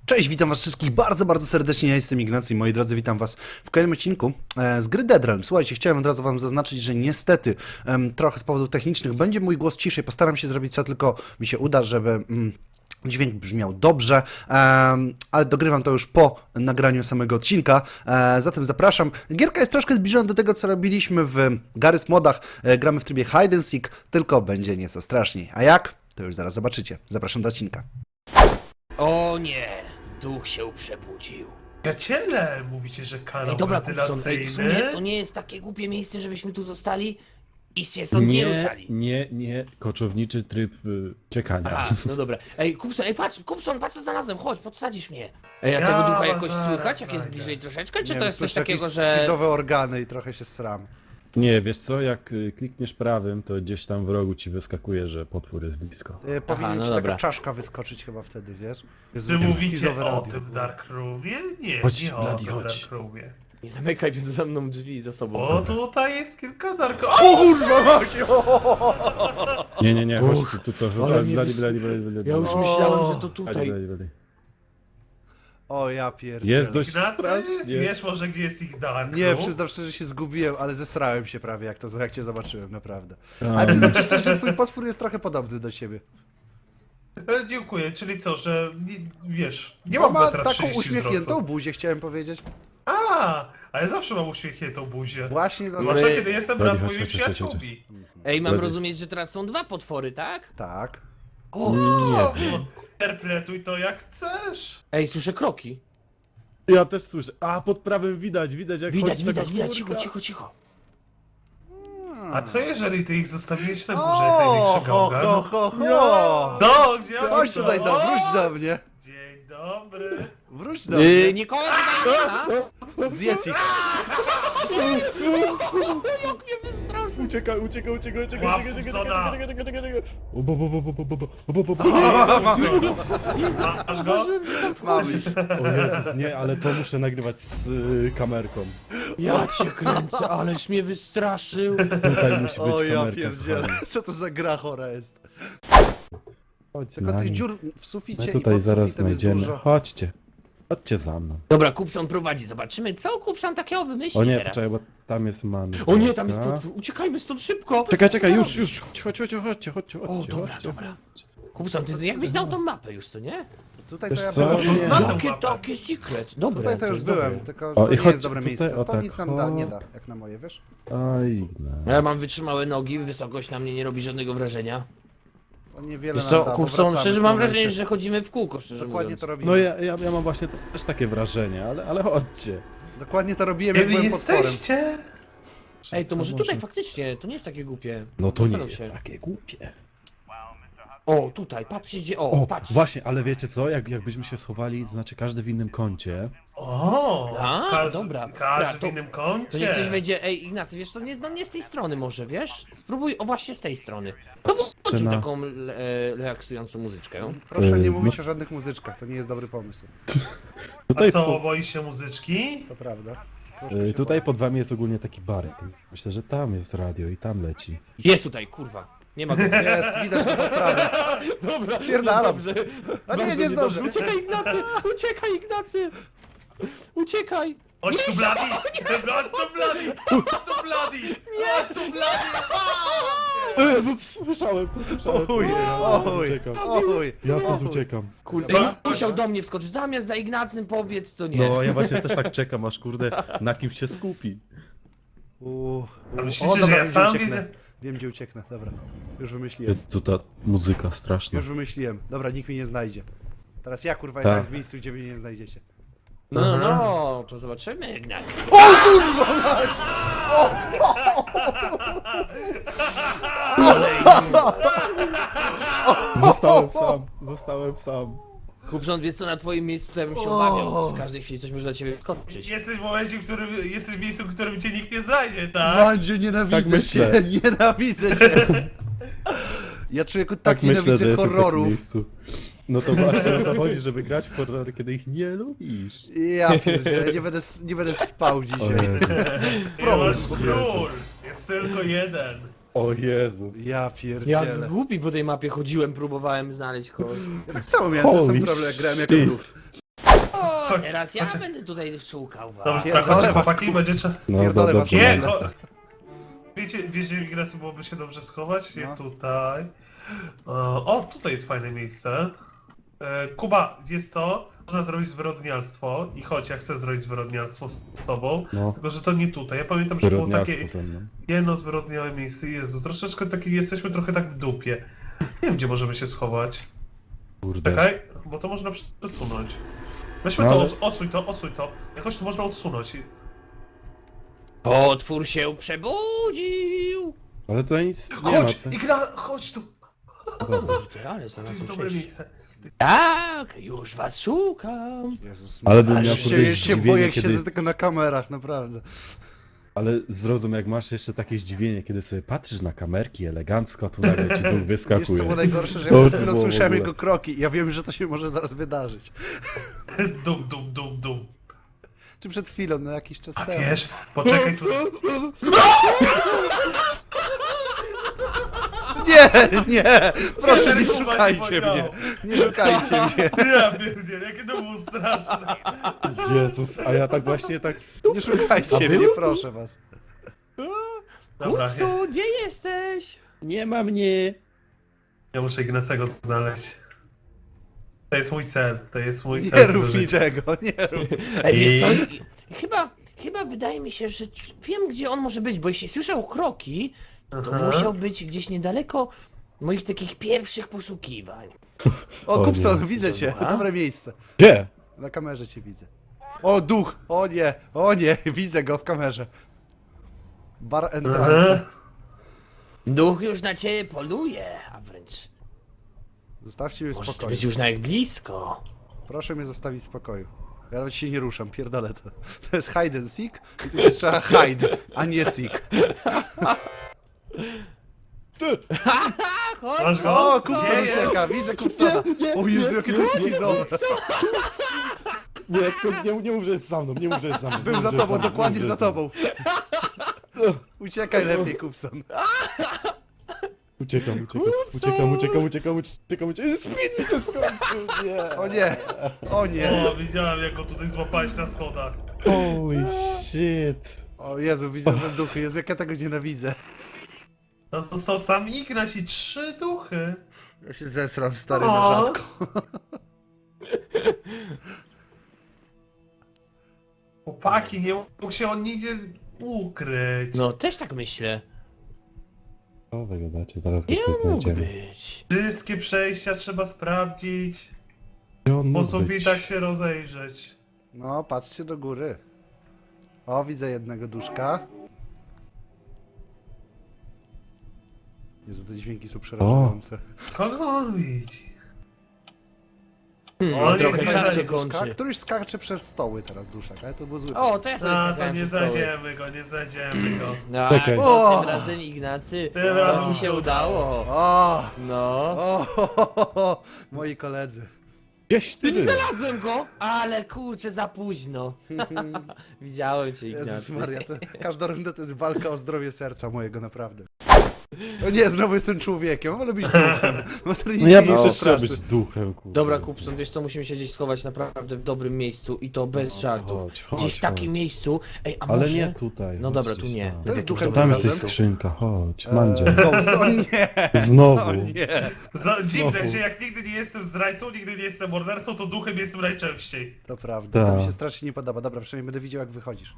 Cześć, witam was wszystkich bardzo serdecznie, ja jestem Ignacy i moi drodzy, witam was w kolejnym odcinku z gry Dead Realm. Słuchajcie, chciałem od razu wam zaznaczyć, że niestety trochę z powodów technicznych będzie mój głos ciszej, postaram się zrobić co tylko mi się uda, żeby dźwięk brzmiał dobrze, ale dogrywam to już po nagraniu samego odcinka, zatem zapraszam. Gierka jest troszkę zbliżona do tego, co robiliśmy w Garry's Modach, gramy w trybie Hide and Seek, tylko będzie nieco straszniej. A jak? To już zaraz zobaczycie. Zapraszam do odcinka. O nie, duch się przebudził. Przyjaciele, mówicie, że kanał Ej, dobra, Kupson, wentylacyjny? w sumie to nie jest takie głupie miejsce, żebyśmy tu zostali i się stąd nie ruszali. Nie, koczowniczy tryb czekania. Aha, no dobra. Ej, Kupson, patrz co znalazłem, chodź, podsadzisz mnie. Ej, a Ja tego ducha was jakoś zaraz słychać, jak jest znajdę. bliżej troszeczkę, czy Nie to wiem, jest coś słyszę takiego, jakieś że... schizowe organy i trochę się sram. Nie, wiesz co, jak klikniesz prawym, to gdzieś tam w rogu ci wyskakuje, że potwór jest blisko. Powinien no ci dobra. taka czaszka wyskoczyć chyba wtedy, wiesz? Jezu, Wy jakie mówicie schizowe o radio tym było. Dark Roomie? Nie, Chodź, nie o Bloody, tym chodź. Dark Roomie. Nie zamykaj za mną drzwi za sobą. Bo tutaj jest kilka Dark... O kurwa macie! Nie, chodź tu, ale mnie blady. Ja już myślałem, że to tutaj. Blady. O ja pierdzielę. Jest dość Ignacy, strasznie. wiesz może gdzie jest ich Dark Nie, Room? przyznam szczerze, że się zgubiłem, ale zesrałem się prawie, jak cię zobaczyłem, naprawdę. A, Ale przyznam ci szczerze, że twój potwór jest trochę podobny do ciebie. Dziękuję, czyli co, że wiesz, nie Bo mam ma metra taką 30 uśmiechniętą wzrostu. buzię, chciałem powiedzieć. A ja zawsze mam uśmiechniętą buzię. Właśnie, Zwłaszcza My- kiedy jestem Bloody, wraz z chodź, moimi chodź, chodź, chodź. przyjaciółmi. Ej, mam Blady. rozumieć, że teraz są dwa potwory, tak? tak. O, nie. Interpretuj to jak chcesz. Ej, słyszę kroki. Ja też słyszę. A, pod prawym widać jak Widać, chodzi taka widać, czwórka. cicho. A co jeżeli ty ich zostawiłeś na górze jak największy gałgan? ho. Do, gdzie oni Chodź są? tutaj, wróć do mnie. Dzień dobry. Wróć do mnie. Nikogo tutaj nie ma. Zjedz ich. Jak mnie wystraszył. Uciekaj. Łap Kupsona. Masz go? Mamy ich. O Jezus, nie, ale to muszę nagrywać z kamerką. Ja cię kręcę, aleś mnie wystraszył. Tutaj musi być O ja kamerka. pierdzielę, kochani. co to za gra chora jest. Chodź z Tylko tych nami. dziur w suficie My i tutaj pod zaraz sufitem jest znajdziemy. dużo. Chodźcie za mną. Dobra, Kupson prowadzi, zobaczymy co Kupson takiego wymyśli O nie, teraz. poczekaj, bo tam jest man. O nie, tam jest potwór, uciekajmy stąd szybko. Czekaj, już, chodźcie. O, dobra. Kupson, ty jakbyś znał tą mapę już, co nie? Tutaj Wiesz to ja co? byłem. Nie. Znam tą Jakie mapę. takie secret. Dobra, Tutaj to już jest byłem, dobre. tylko O, to i nie chodź jest dobre tutaj, miejsce. o To tak, nic nam nie da, jak na moje, wiesz? Oj, no. Ja mam wytrzymałe nogi, wysokość na mnie nie robi żadnego wrażenia. To niewiele Wiesz nam co, da, bo Kupson, wracamy szczerze w mam momencie. wrażenie, że chodzimy w kółko, szczerze Dokładnie mówiąc. to robimy. No ja mam właśnie też takie wrażenie, ale chodźcie. Dokładnie to robiłem, Gdzie jak wy byłem potworem. jesteście? Ej, to może tutaj faktycznie, to nie jest takie głupie. No to nie Zastanów jest się. takie głupie. O, tutaj, patrzcie gdzie, O, patrz. właśnie, ale wiecie co, jakbyśmy się schowali, znaczy każdy w innym kącie. O, A, dobra. Każdy Dobra, w innym kącie. To niech ktoś wejdzie, ej Ignacy, wiesz, to nie z tej strony może, wiesz? Spróbuj, o właśnie z tej strony. No bo włączył na- taką relaksującą muzyczkę. Proszę nie no- mówić o żadnych muzyczkach, to nie jest dobry pomysł. A Tutaj, co, boisz się muzyczki? To prawda. Troszkę się tutaj pod wami jest ogólnie taki bar. Myślę, że tam jest radio i tam leci. Jest tutaj, kurwa. Nie ma go. boję. Jest, widać go pod prawem. Dobra, Spierdalam. dobrze. A nie, Bardzo nie zdążę. niedobrze. Uciekaj Ignacy, uciekaj Ignacy. Uciekaj. Chodź tu, Bloody! Chodź tu, Bloody! Chodź tu, Bloody! Chodź tu, Bloody! Jezu, słyszałem. Oj, oj, Uciekam. oj. Ja stąd uciekam. Kurde, Dobra. musiał do mnie wskoczyć. Zamiast za Ignacym pobiec, to nie. No, ja właśnie też tak czekam, aż kurde na kimś się skupi. A myślicie, że ja wiem, gdzie sam ucieknę. widzę? Wiem, gdzie ucieknę, dobra. Już wymyśliłem. Jezu, ta muzyka straszna. Już wymyśliłem. Dobra, nikt mnie nie znajdzie. Teraz ja, kurwa, Tak. jestem w miejscu, gdzie mnie nie znajdziecie. No, to zobaczymy Ignacy. Zostałem sam. Kupson, wiesz co, na twoim miejscu tutaj bym się obawiał. W każdej chwili coś może dla ciebie skoczyć. Jesteś w momencie, w którym jesteś w miejscu, w którym cię nikt nie znajdzie, tak? Mandziu, nienawidzę Tak myślę. cię, nienawidzę cię. Ja człowieku tak myślę, że nienawidzę jestem w takim horrorów. miejscu. No to właśnie o to chodzi, żeby grać w horrory, kiedy ich nie lubisz. Ja pierdzielę, nie będę spał O dzisiaj. Jezus. Problem Masz po król! Jest tylko jeden. O Jezus. Ja Jak pierdzielę. głupi po tej mapie chodziłem, próbowałem znaleźć kogoś. Ja tak samo miałem ten sam Holy problem, jak grałem shit. jako grów. Chodź, teraz ja chodź. będę tutaj szukał was. Dobrze, Pierdolę tak, chodźcie was, chłopaki, będzie trzeba... No Pierdolę was. dobrze. Nie, no. to... Wiecie, Ignacy, byłoby się dobrze schować? Nie No. tutaj. O, tutaj jest fajne miejsce. Kuba, wiesz co? Można zrobić zwyrodnialstwo i chodź, ja chcę zrobić zwyrodnialstwo z tobą. No, Tylko, że to nie tutaj. Ja pamiętam, że było takie wyrodnialstwo ze mną. jedno zwyrodniałe miejsce. Jezu, troszeczkę takie, jesteśmy trochę tak w dupie. Nie wiem, gdzie możemy się schować. Kurde. Czekaj, bo to można przesunąć. Weźmy No to, ale- odsuń to. Jakoś to można odsunąć. Potwór się przebudził! Ale tutaj nic nie ma. Chodź, tak- Igna, chodź tu. Dobra. Kurde, ale To znalazłem jest dobre przejście. miejsce. Tak, już was szukam. Jezus, Ale bym Ale miał się- się, podejść się zdziwienie, boję, jak kiedy... siedzę tylko na kamerach, naprawdę. Ale zrozum, jak masz jeszcze takie zdziwienie, kiedy sobie patrzysz na kamerki elegancko, a tu nagle ci duch Wiesz co wyskakuje. było najgorsze, że To ja już przed chwilą było w słyszałem ogóle. jego kroki i ja wiem, że to się może zaraz wydarzyć. Dum. Czy przed chwilą, no jakiś czas A temu. wiesz, poczekaj tu. Nie, proszę nie Kuba ci szukajcie powiedział. mnie, nie szukajcie mnie, Ja pierdzielę, jakie to było straszne. Jezus, a ja tak właśnie tak... nie szukajcie mnie, proszę was. Dobra, Kupcu, gdzie jesteś? Nie ma mnie! ja muszę Ignacego znaleźć. To jest mój cel, Nie cel rób mi życia. tego, nie rób. Ej, wiesz co? Chyba wydaje mi się, że wiem, gdzie on może być, bo jeśli słyszał kroki, to Aha. musiał być gdzieś niedaleko moich takich pierwszych poszukiwań. O, O Kupson, nie. widzę cię, Dobra. dobre miejsce. Gdzie? Na kamerze cię widzę. O, duch, o nie, widzę go w kamerze. Bar entrance. Aha. Duch już na ciebie poluje, a wręcz Zostawcie mnie w możesz spokoju. być już nawet blisko. Proszę mnie zostawić w spokoju. Ja nawet się nie ruszam, pierdolę to. To jest hide and seek i tu się trzeba hide, a nie seek. Chodź, Masz go? O, Kupson Gdzie jest? ucieka, widzę Kupsona. O Jezu, jakie to jest schizowe. Nie, tylko nie mów, że jest za mną, nie mów, że jest za mną. Był nie za mów, że jest tobą, mną, dokładnie nie mów, za że jest tobą. Uciekaj lepiej, Kupson. Uciekam. Speed mi się skończył, nie. O nie. O, widziałem jak go tutaj złapałeś na schodach. Holy shit. O Jezu, widzę ten duchy, Jezu, jak ja tego nienawidzę. To są sam Ignaś i 3 duchy. Ja się zesram, stary, O. na rzadko. Chłopaki, nie mógł się on nigdzie ukryć. No, też tak myślę. O, wy gadacie, zaraz go Nie tu mógł znajdziemy. być. Wszystkie przejścia trzeba sprawdzić. Gdzie on Po mógł być? sufitach się rozejrzeć. No, patrzcie do góry. O, widzę jednego duszka. Jezu, te dźwięki są przerażające. Kogo on widzi? O, nie, trochę nie czas znajdzie się Duszka, kończy. któryś skacze przez stoły teraz, duszak, ale to było złe. O, to ja sobie A, to skakałem nie przez stoły. znajdziemy go, nie znajdziemy go. No, Czekaj. to O! tym razem Ignacy, Tym to razem ci się się udało. O, No. o, moi koledzy. Gdzieś ty był. Znalazłem go, ale kurczę, za późno. Widziałem cię, Jezus Ignacy. Maria, każda runda to jest walka o zdrowie serca mojego, naprawdę. O nie, znowu jestem człowiekiem, wolę być duchem. Bo to nic No ja mnie bym nie też chciał przestraszy. być duchem, kurde. Dobra, Kupson, wiesz co, musimy się gdzieś schować naprawdę w dobrym miejscu i to bez żartów. Gdzieś w takim miejscu. Ej, a Ale może... nie tutaj. No chodź dobra, gdzieś tu nie. tam. To jest W duchem jakimś Tam dobrym jest razem? skrzynka, chodź, Mandzia. Ghost, o nie, Znowu. o nie. Dziwne, Znowu. że jak nigdy nie jestem zdrajcą, nigdy nie jestem mordercą, to duchem jestem najczęściej. To prawda, to mi Tak. się strasznie nie podoba. Dobra, przynajmniej będę widział, jak wychodzisz.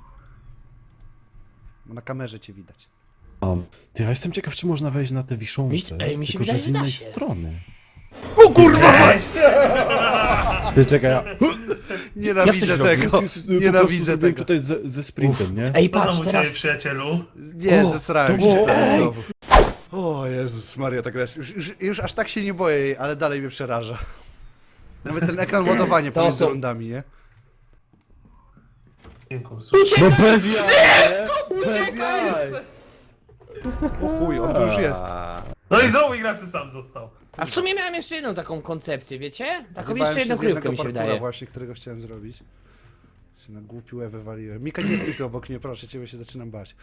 Bo na kamerze cię widać. Mam. Ty, ja jestem ciekaw, czy można wejść na te wiszące. Ej, mi się tylko, wydaje, że z że da innej się. strony. O kurwa! Ty, czekaj, ja... Nienawidzę tego. Nienawidzę tego. tutaj ze sprintem, nie? Ej, Co tam patrz, u teraz... ciebie, przyjacielu? Nie, O, zesrałem to się było- teraz znowu. O Jezus Maria, tak raz. Już aż tak się nie boję jej, ale dalej mnie przeraża. Nawet ten ekran ładowania To pomiędzy są- rundami, nie? Dziękuję. No bez jaj! Bez jaj! O chuj, on tu już jest. No i znowu Ignacy sam został. A w sumie miałem jeszcze jedną taką koncepcję, wiecie? Taką Zjebałem jeszcze się jedną z kryjówkę jednego mi się parkura wydaje. właśnie, którego chciałem zrobić. Się na głupiłę wywaliłem. Mika, nie stój tu obok mnie, proszę cię, bo się zaczynam bać.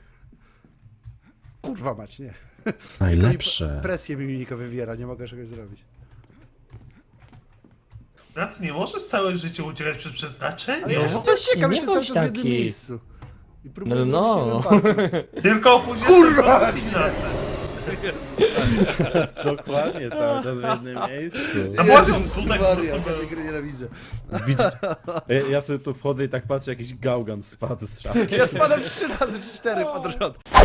Kurwa mać, nie. Najlepsze. Presję mi Mika wywiera, nie mogę czegoś zrobić. Ignacy, nie możesz całe życie uciekać przed przeznaczeniem. Ale ja No już właśnie, uciekam, nie jestem cały bądź czas w jednym taki. miejscu. I próbuję No. zrobić jeden parkour. Tylko później Kurwa! jest Ignacy. Dokładnie, cały czas w jednym miejscu. A właśnie, Jezus tutaj po Maria, prostu ja był. tej gry nienawidzę. Widzisz, ja sobie tu wchodzę i tak patrzę, jakiś gałgan spadł z szafki. Ja spadam 3 razy czy 4 pod rząd.